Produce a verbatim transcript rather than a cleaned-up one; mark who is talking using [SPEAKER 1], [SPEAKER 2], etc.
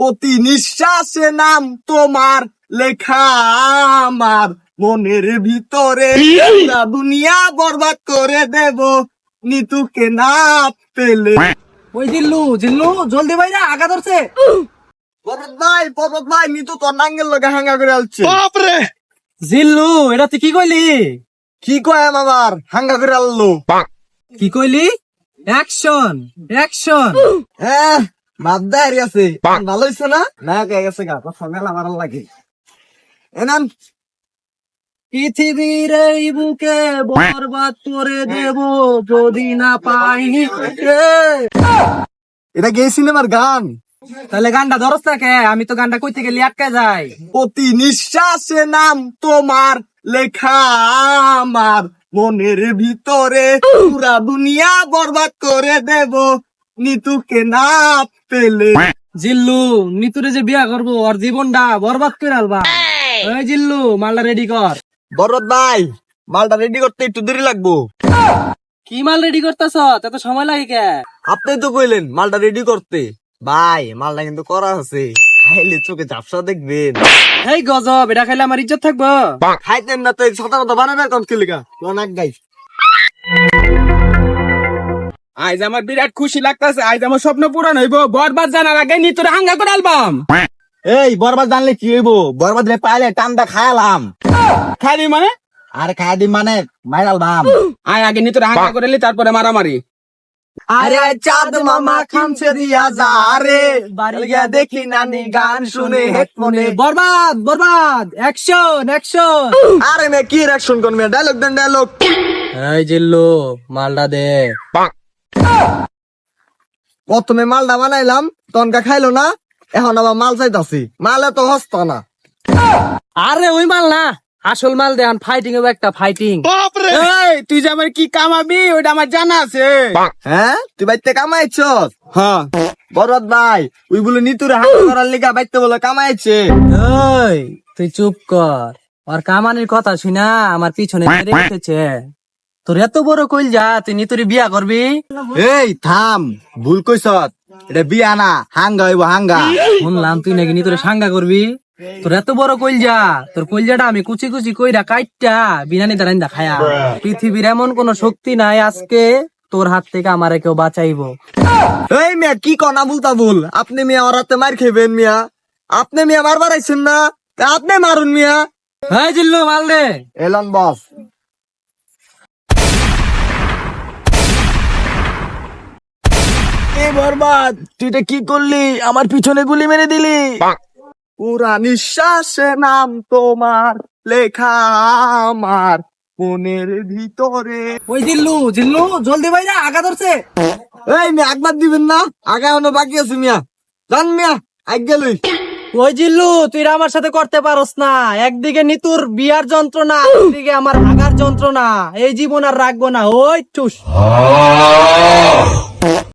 [SPEAKER 1] প্রতি নিঃশ্বাসে নাম তোমার লেখা আমার মনের ভিতরে পুরা দুনিয়া বরবাদ করে দেব নিতুকে না পেলে।
[SPEAKER 2] ওই জিল্লু জিল্লু জলদি ভাই না আগা ধরছে।
[SPEAKER 1] পর্বত ভাই পর্বত ভাই নিতু তোর নাঙ্গের লগে হাঙ্গা করে আলছে।
[SPEAKER 2] জিল্লু এটা তুই কি কইলি?
[SPEAKER 1] কি কয় আমার হাঙ্গা করে আললো?
[SPEAKER 2] কি কইলি? Action action.
[SPEAKER 1] হ্যাঁ বাদ দেয় আছে ভালো হয়েছে না না কে গেছে গা সঙ্গে আমার লাগে এনান
[SPEAKER 2] পৃথিবীর এই বুকে বরবাদ করে দেব যদি না পাই।
[SPEAKER 1] এটা গে সিনেমার গান।
[SPEAKER 2] তাহলে গানটা ধরস না কে? আমি তো গানটা কইতে গেলে আটকে যাই।
[SPEAKER 1] প্রতি নিঃশ্বাসে নাম তোমার লেখা আমার মনের ভিতরে পুরা দুনিয়া বরবাদ করে দেব নিতুকে না পেলে।
[SPEAKER 2] জিল্লু নিতুরে যে বিয়া করবো ওর জীবনটা বরবাদ করে আলবা। ওই জিল্লু মালটা রেডি কর।
[SPEAKER 1] বরবাদ ভাই মালটা রেডি করতে একটু দেরি লাগবো।
[SPEAKER 2] কি মাল রেডি করতেছ? এত সময় লাগে কে?
[SPEAKER 1] আপনি তো কইলেন মালটা রেডি করতে। ভাই মালটা কিন্তু করা আছে, খাইলে চোখে ঝাপসা দেখবেন।
[SPEAKER 2] এই গজব, এটা খাইলে আমার ইজ্জত থাকবো?
[SPEAKER 1] খাইতেন না তো সাদা কথা বানাবে কম কিলিকা অনেক গাই।
[SPEAKER 3] আজ আমার বিরাট খুশি লাগতেছে, আজ আমার স্বপ্ন পূরণ হইব। বরবাদ জানার আগে নি তোর হাঙ্গা করে অ্যালবাম।
[SPEAKER 1] এই বরবাদ জানলে কি হইব? বরবাদ রে পাইলে টান্দা খায়ালাম।
[SPEAKER 3] খালি মানে
[SPEAKER 1] আর খাই দি মানে মাইরালবাম।
[SPEAKER 3] আয় আগে নি তোর হাঙ্গা করে লি, তারপরে মারামারি।
[SPEAKER 1] আরে চাঁদ মামা খামছে দিয়া যা রে বাড়ি গিয়া দেখি নানি গান শুনে হেডফোনে।
[SPEAKER 2] বরবাদ বরবাদ অ্যাকশন অ্যাকশন।
[SPEAKER 1] আরে মে কি রিঅ্যাকশন করবে? ডায়লগ দেন ডায়লগ।
[SPEAKER 2] এই জিল্লু মালটা দে।
[SPEAKER 1] প্রথমে মালটা বানাইলাম তনকা খাইলো না, এখন আবার মাল চাইতাছি। মালে তো হস্ত না।
[SPEAKER 2] আরে ওই মাল না, আসল মাল দেন। ফাইটিং হবে একটা ফাইটিং।
[SPEAKER 3] এই তুই যে আমার কি কামাবি ওইটা আমার জানা আছে।
[SPEAKER 1] হ্যাঁ তুই বাইতে কামাইছ?
[SPEAKER 3] হ্যাঁ
[SPEAKER 1] বরবাদ ভাই ওই বলে নিতুরে হাত করার লিগা বাইতে বলে কামাইছে।
[SPEAKER 2] ওই তুই চুপ কর। ওর কামানির কথা শুনা আমার পিছনে মেরে উঠেছে। তোর এত বড় কইল যা, তুই নিতুরি বিয়া করবি?
[SPEAKER 1] এই থাম, ভুল কইছ। এটা বিয়া না, হাঙ্গা হইব হাঙ্গা।
[SPEAKER 2] শুনলাম তুই নাকি নিতুরে সাঙ্গা করবি। তোর এত বড় কইলজা, তোর কইলজাটা আমি কুচি কুচি কইরা কাইটটা বিনানি দাঁড়াইন্দা খায়া। পৃথিবীর এমন কোন শক্তি নাই আজকে তোর হাত থেকে আমারে কেউ বাঁচাইবো।
[SPEAKER 1] এই মিয়া কি কনা বলতা ভুল? আপনি মিয়া ওরাতে মার খেবেন মিয়া? আপনি মিয়া মারবার আইছেন না, তা আপনি মারুন মিয়া।
[SPEAKER 2] হ্যাঁ জিল্লু মাল দে।
[SPEAKER 1] এলন বস। এই বরবাদ তুই এটা কি করলি? আমার পিছনে গুলি মেরে দিলি। পুরা নিঃশ্বাসে নাম তোমার লেখা আমার মনের ভিতরে।
[SPEAKER 2] ওই জিল্লু জিল্লু জলদি ভাই না আগা ধরছে।
[SPEAKER 1] এই মিয়া একবার দিবেন না? আগে এখনো বাকি আছে মিয়া। জান মিয়া আগ গেলই।
[SPEAKER 2] ওই জিল্লু তুই আমার সাথে করতে পারস না। একদিকে নিতুর বিয়ার যন্ত্রণা, একদিকে আমার ভাগার যন্ত্রণা। এই জীবন আর রাখবো না। ওই চুস।